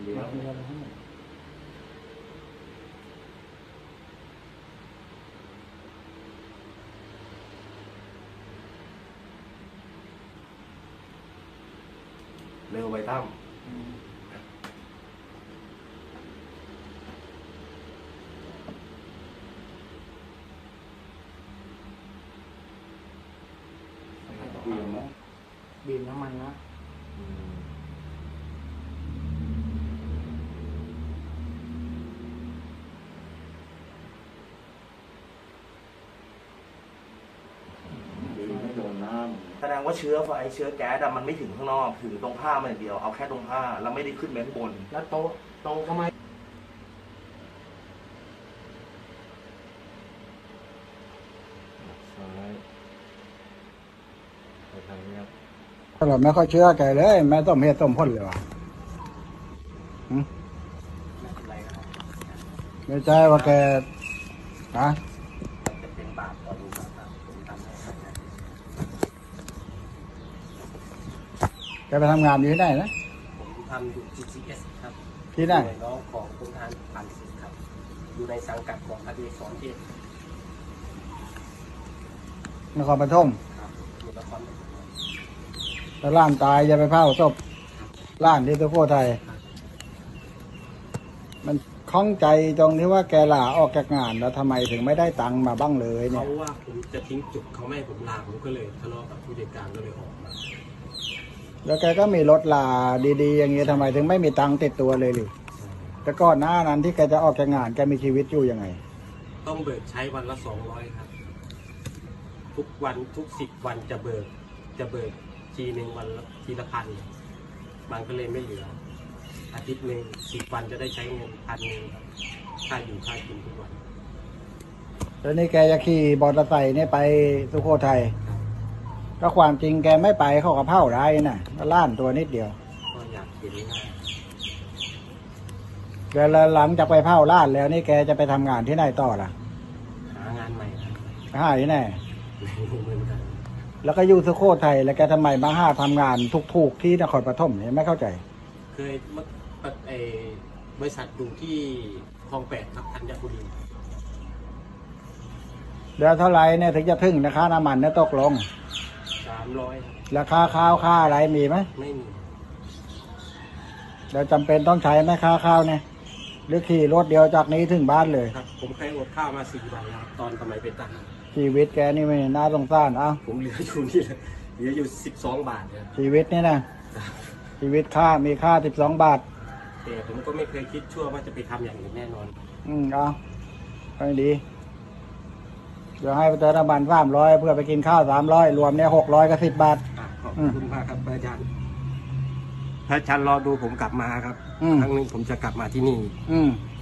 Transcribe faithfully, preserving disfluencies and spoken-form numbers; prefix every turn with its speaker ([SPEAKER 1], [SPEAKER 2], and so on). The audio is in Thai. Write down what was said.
[SPEAKER 1] ดี๋ยวเร็วไปตั้มบีมนะ
[SPEAKER 2] บีมน้ำมันนะ
[SPEAKER 1] แสดงว่าเชื้อไฟเชื้อแก๊สมันไม่ถึงข้างนอกถึงตรงผ้ามันอย่างเดียวเอาแค่ตรงผ้าแล้วไม่ได้ขึ้นไปข้างบน
[SPEAKER 2] แล้วโตโตก็ไม่
[SPEAKER 3] ตลอดไม่ค่อยเชื่อแกเลยแม่ต้มเฮ็ดต้มพ่นเลยว่ะไม่ใช่ว่าแกนะ
[SPEAKER 1] จะเป็นบาปต่อลูกครับผมทำให้
[SPEAKER 3] แกไปทำงานอยู่ที่ไหนนะ
[SPEAKER 1] ผมทำอยู่ จี ซี เอส ครับ
[SPEAKER 3] ที่ไหน
[SPEAKER 1] น้องของกรมทหารผ่านศึกครับอยู่ในสังกัดของอดีตสอนเทพ
[SPEAKER 3] นครปฐม
[SPEAKER 1] ครับอยู่นครปฐม
[SPEAKER 3] แล้วล้านตายจะไปเผาศพล้านที่สุโขทัยมันคล้องใจตรงที่ว่าแกลาออกจากงานแล้วทำไมถึงไม่ได้ตังค์มาบ้างเลยเนี่ย
[SPEAKER 1] เขาว่าผมจะทิ้งจุดเขาไม่ให้ผมลาผมก็เลยทะเลาะกับผู้จัดการก็เลยออกมา
[SPEAKER 3] แล้วแกก็มีรถลาดีๆอย่างเงี้ยทำไมถึงไม่มีตังค์ติดตัวเลยหรือแต่ก่อนหน้านั้นที่แกจะออกจากงานแกมีชีวิตอยู่ยังไง
[SPEAKER 1] ต้องเบิกใช้วันละสองร้อยครับทุกวันทุกสิบวันจะเบิกจะเบิกทีหนึ่งวันละทีละพันมันก็เลยไม่เหลืออาทิตย์หนึ่งสิบวันจะได้ใช้เงินพันหนึ่งค่าอยู่ค่ากินทุกวัน
[SPEAKER 3] แล้วนี่แกจะขี่มอเตอร์ไซค์เนี่ยไปสุโขทัยก็ความจริงแกไม่ไปเขาก็เผาได้น่ะล้านตัวนิดเดียว
[SPEAKER 1] ก็อยากเห็นหน้า
[SPEAKER 3] แกหลังจากไปเผาล้านแล้วนี่แกจะไปทำงานที่ไหนต่อล่ะ
[SPEAKER 1] หางานใหม่ครับ
[SPEAKER 3] หาที่ไหน
[SPEAKER 1] เหมือนกัน
[SPEAKER 3] แล้วก็อยู่สุโขทัยแล้วแกทำไมมาหาทำงานทุกๆที่นครปฐมเนี่ยไม่เข้าใจ
[SPEAKER 1] เคยเมื่อบริษัทอยู่ที่คลองแปดครับธัญบุรี
[SPEAKER 3] เดือนเท่าไรเนี่ยถึงจะถึงราคาน้ำมันเนี่ยตกลง
[SPEAKER 1] สามร้อย
[SPEAKER 3] ราคาข้าวค่าอะไรมีไหม
[SPEAKER 1] ไม่มี
[SPEAKER 3] เราจำเป็นต้องใช้ไหมค่าข้าวเนี่ยหรือขี่รถเดียวจากนี้ถึงบ้านเลย
[SPEAKER 1] ครับผมเคยอดข้าวมาสี่วันแล้วตอนสมัยเป็นทหาร
[SPEAKER 3] ชีวิตแกนี่ไม่น่าสงสารเอ้า
[SPEAKER 1] ผมเหลืออยู่นี่เลยเหลืออยู่สิบสองบาทเนี่ย
[SPEAKER 3] ชีวิตนี่นะชีวิตค่ามีค่าสิบสองบาท
[SPEAKER 1] แต่ผมก็ไม่เคยคิดชั่วว่าจะไปทำอย่างอื่นแน่นอน
[SPEAKER 3] อืมเอาไปดีเดี๋ยวให้ไปเติมน้ำมันสามร้อยเพื่อไปกินข้าวสามร้อยรวมเนี่ยหกร้อยกับสิบบาท
[SPEAKER 1] ขอบคุณมากครับอาจารย์พระอาจารย์รอดูผมกลับมาครับครั้งนึงผมจะกลับมาที่นี่
[SPEAKER 3] อืม